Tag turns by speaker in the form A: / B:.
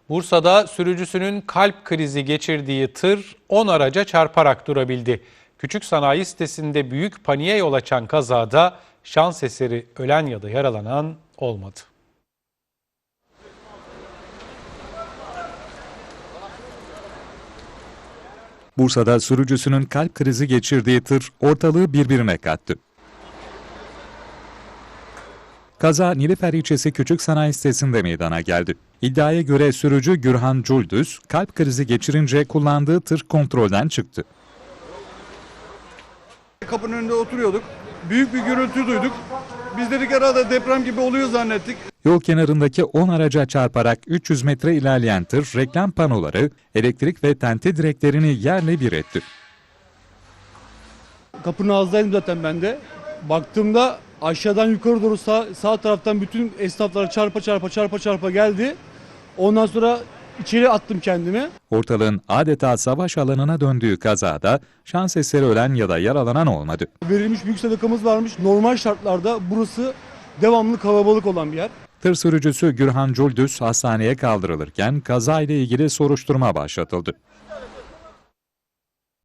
A: Bursa'da sürücüsünün kalp krizi geçirdiği tır 10 araca çarparak durabildi. Küçük sanayi sitesinde büyük paniğe yol açan kazada şans eseri ölen ya da yaralanan olmadı.
B: Bursa'da sürücüsünün kalp krizi geçirdiği tır ortalığı birbirine kattı. Kaza Nilüfer ilçesi Küçük Sanayi Sitesi'nde meydana geldi. İddiaya göre sürücü Gürhan Culdüz kalp krizi geçirince kullandığı tır kontrolden çıktı.
C: Kapının önünde oturuyorduk. Büyük bir gürültü duyduk. Biz dedik herhalde deprem gibi oluyor zannettik.
B: Yol kenarındaki 10 araca çarparak 300 metre ilerleyen tır reklam panoları, elektrik ve tente direklerini yerle bir etti.
D: Kapının ağzındaydım zaten ben de. Baktığımda aşağıdan yukarı doğru sağ taraftan bütün esnaflar çarpa geldi. Ondan sonra içeri attım kendimi.
B: Ortalığın adeta savaş alanına döndüğü kazada şans eseri ölen ya da yaralanan olmadı.
D: Verilmiş büyük sadakamız varmış. Normal şartlarda burası devamlı kalabalık olan bir yer.
B: Tır sürücüsü Gürhan Culdüz hastaneye kaldırılırken kazayla ilgili soruşturma başlatıldı.